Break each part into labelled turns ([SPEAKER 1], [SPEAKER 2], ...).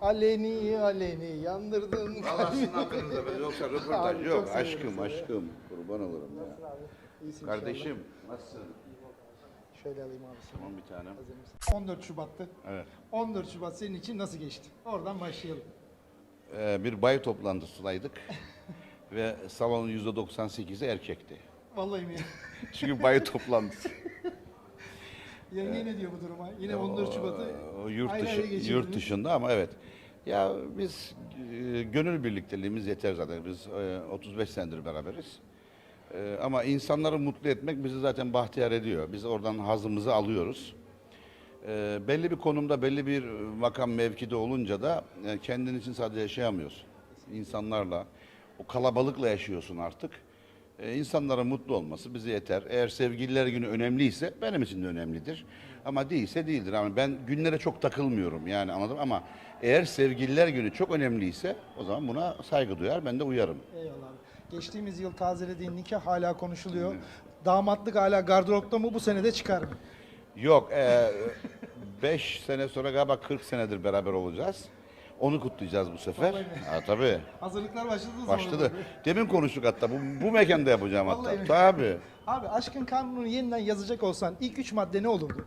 [SPEAKER 1] Aleni aleni yandırdın
[SPEAKER 2] Allah sizin
[SPEAKER 1] kalbimi.
[SPEAKER 2] hakkınızda be. Yoksa
[SPEAKER 1] Abi,
[SPEAKER 2] röportaj
[SPEAKER 1] çok
[SPEAKER 2] yok.
[SPEAKER 1] seviyorum
[SPEAKER 2] Aşkım
[SPEAKER 1] seni.
[SPEAKER 2] aşkım. Kurban olurum ya.
[SPEAKER 1] Nasılsın abi? İyisin
[SPEAKER 2] Kardeşim
[SPEAKER 1] inşallah.
[SPEAKER 2] nasılsın?
[SPEAKER 1] Şöyle alayım abi seni.
[SPEAKER 2] Tamam bir tanem.
[SPEAKER 1] Hazır mısın? 14 Şubat'tı.
[SPEAKER 2] Evet.
[SPEAKER 1] 14 Şubat senin için nasıl geçti? Oradan başlayalım.
[SPEAKER 2] Bir bay toplantısındaydık. Ve salonun %98'i erkekti.
[SPEAKER 1] Vallahi mi?
[SPEAKER 2] Çünkü bay toplantısı.
[SPEAKER 1] Yenge ne diyor bu duruma? Yine 14 Şubat'ı
[SPEAKER 2] O yurt
[SPEAKER 1] ayrı ayrı geçirdiniz.
[SPEAKER 2] yurt dışında ama evet. Ya biz gönül birlikteliğimiz yeter zaten. Biz 35 senedir beraberiz. Ama insanları mutlu etmek bizi zaten bahtiyar ediyor. Biz oradan hazımızı alıyoruz. Belli bir konumda, belli bir makam mevkide olunca da kendin için sadece yaşayamıyorsun. İnsanlarla, o kalabalıkla yaşıyorsun artık. İnsanların mutlu olması bize yeter. Eğer sevgililer günü önemliyse benim için de önemlidir. Ama değilse değildir. Ama ben günlere çok takılmıyorum yani anladım ama eğer sevgililer günü çok önemliyse o zaman buna saygı duyar, ben de uyarım.
[SPEAKER 1] Eyvallah abi. Geçtiğimiz yıl tazelediğin nikah hala konuşuluyor. Damatlık hala gardıropta mı? Bu sene de çıkar mı?
[SPEAKER 2] Yok, 5 sene sonra galiba 40 senedir beraber olacağız. Onu kutlayacağız bu sefer.
[SPEAKER 1] Vallahi mi?
[SPEAKER 2] Ha, tabii.
[SPEAKER 1] Hazırlıklar başladı mı?
[SPEAKER 2] Başladı. Demin konuştuk hatta. Bu mekanda yapacağım
[SPEAKER 1] Vallahi
[SPEAKER 2] hatta.
[SPEAKER 1] mi?
[SPEAKER 2] Tabii.
[SPEAKER 1] Abi aşkın kanunu yeniden yazacak olsan ilk 3 madde ne olurdu?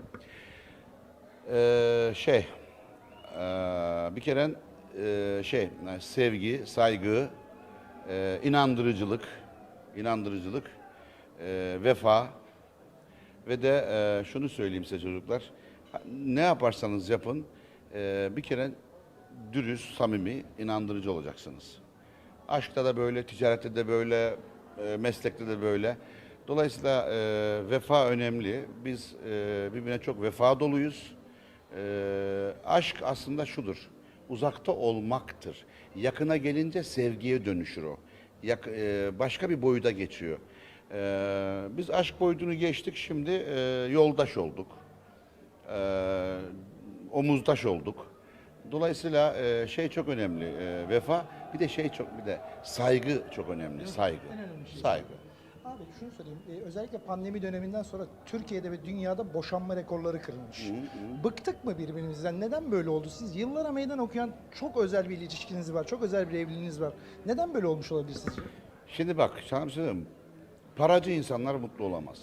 [SPEAKER 2] Bir kere sevgi, saygı, inandırıcılık, vefa ve de şunu söyleyeyim size çocuklar. Ne yaparsanız yapın, bir kere dürüst, samimi, inandırıcı olacaksınız. Aşkta da böyle, ticarette de böyle, meslekte de böyle. Dolayısıyla vefa önemli. Biz birbirine çok vefa doluyuz. Aşk aslında şudur, uzakta olmaktır. Yakına gelince sevgiye dönüşür o. Başka bir boyuta geçiyor. Biz aşk boyutunu geçtik, şimdi yoldaş olduk. Omuzdaş olduk. Dolayısıyla şey çok önemli, vefa, bir de saygı çok önemli, saygı.
[SPEAKER 1] En önemli şey.
[SPEAKER 2] Saygı.
[SPEAKER 1] Abi şunu söyleyeyim, özellikle pandemi döneminden sonra Türkiye'de ve dünyada boşanma rekorları kırılmış. Bıktık mı birbirimizden? Neden böyle oldu? Siz yıllara meydan okuyan çok özel bir ilişkiniz var, çok özel bir evliliğiniz var. Neden böyle olmuş olabilir sizce?
[SPEAKER 2] Şimdi bak, sana bir şey söyleyeyim mi? Paracı insanlar mutlu olamaz.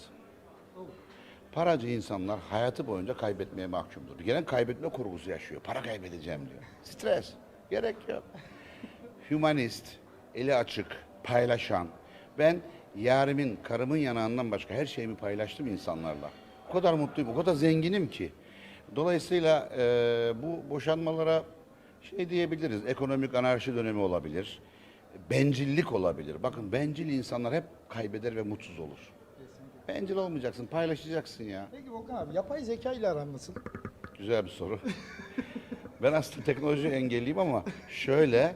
[SPEAKER 2] Paracı insanlar hayatı boyunca kaybetmeye mahkumdur. Bir kere kaybetme kurgusu yaşıyor. Para kaybedeceğim diyor. Stres. Gerek yok. Hümanist, eli açık, paylaşan. Ben yarimin, karımın yanağından başka her şeyimi paylaştım insanlarla. O kadar mutluyum, o kadar zenginim ki. Dolayısıyla bu boşanmalara şey diyebiliriz, ekonomik anarşi dönemi olabilir. Bencillik olabilir. Bakın bencil insanlar hep kaybeder ve mutsuz olur. Bencil olmayacaksın, paylaşacaksın ya.
[SPEAKER 1] Peki Volkan abi, yapay zeka ile aran nasıl?
[SPEAKER 2] Güzel bir soru. Ben aslında teknoloji engelliyim ama şöyle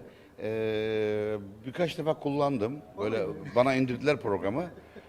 [SPEAKER 2] birkaç defa kullandım. Böyle bana indirdiler programı.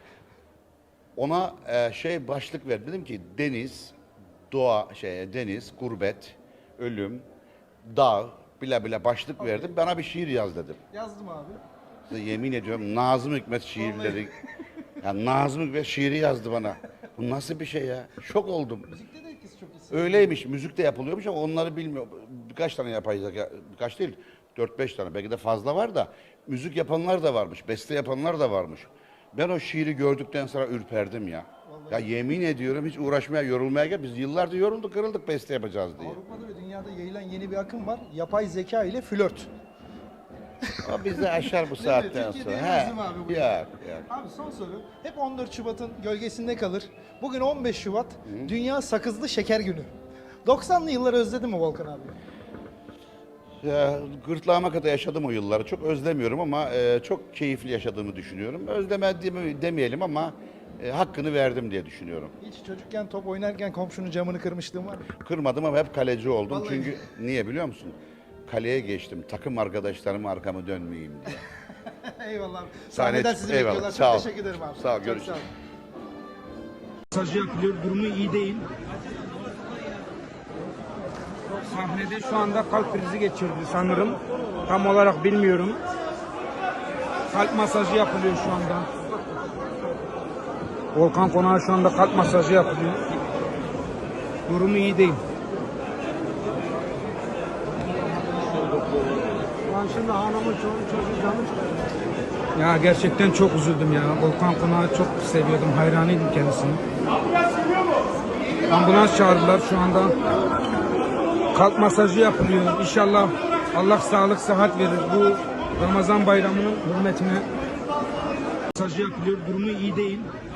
[SPEAKER 2] Ona başlık verdim. Dedim ki deniz, doğa, deniz, gurbet, ölüm, dağ, bile başlık verdim. Bana bir şiir yaz dedim.
[SPEAKER 1] Yazdım abi.
[SPEAKER 2] Size yemin ediyorum Nazım Hikmet şiirleri. Ya Nazım Hikmet şiiri yazdı bana. Bu nasıl bir şey ya? Şok oldum.
[SPEAKER 1] Müzikte de etkisi çok iyi.
[SPEAKER 2] Öyleymiş, müzik de yapılıyormuş ama onları bilmiyorum. Birkaç tane yapay zeka, birkaç değil, 4-5 tane, belki de fazla var da müzik yapanlar da varmış, beste yapanlar da varmış. Ben o şiiri gördükten sonra ürperdim ya. Ya yemin ediyorum hiç uğraşmaya, yorulmaya gel. Biz yıllardır yorulduk, kırıldık beste yapacağız diye.
[SPEAKER 1] Avrupa'da ve dünyada yayılan yeni bir akım var. Yapay zeka ile flört.
[SPEAKER 2] O bizi aşar bu saatten
[SPEAKER 1] Türkiye'de
[SPEAKER 2] sonra.
[SPEAKER 1] yemez mi abi bu?
[SPEAKER 2] Yok.
[SPEAKER 1] Abi son soru. Hep 14 Şubat'ın gölgesinde kalır. Bugün 15 Şubat, Dünya Sakızlı Şeker Günü. 90'lı yılları özledin mi Volkan abi?
[SPEAKER 2] Ya, gırtlağıma kadar yaşadım o yılları. Çok özlemiyorum ama çok keyifli yaşadığımı düşünüyorum. Özlemediğimi demeyelim ama hakkını verdim diye düşünüyorum.
[SPEAKER 1] Hiç çocukken top oynarken komşunun camını kırmışlığın var mı?
[SPEAKER 2] Kırmadım ama hep kaleci oldum.
[SPEAKER 1] Vallahi.
[SPEAKER 2] Çünkü niye biliyor musun? Kaleye geçtim. Takım arkadaşlarıma arkamı dönmeyeyim diye.
[SPEAKER 1] Eyvallah abi.
[SPEAKER 2] Sahne-
[SPEAKER 1] Sahneden sizi
[SPEAKER 2] eyvallah,
[SPEAKER 1] bekliyorlar.
[SPEAKER 2] sağ ol.
[SPEAKER 1] Çok teşekkür ederim abi.
[SPEAKER 2] Sağ ol,
[SPEAKER 1] Çok
[SPEAKER 2] görüşürüz.
[SPEAKER 3] Masajı yapılıyor, durumu iyi değil. Sahnede şu anda kalp krizi geçirdi sanırım. Tam olarak bilmiyorum. Kalp masajı yapılıyor şu anda. Volkan Konak'a şu anda kalp masajı yapılıyor. Durumu iyi değil.
[SPEAKER 4] Lan şimdi hanımın çocuğu canı çıkıyor.
[SPEAKER 3] Ya gerçekten çok üzüldüm ya. Volkan Konak'ı çok seviyordum, hayranıydım kendisine. Ambulans çağırdılar şu anda. Kalp masajı yapılıyor. İnşallah Allah sağlık sıhhat verir. Bu Ramazan bayramının hürmetine masajı yapılıyor. Durumu iyi değil.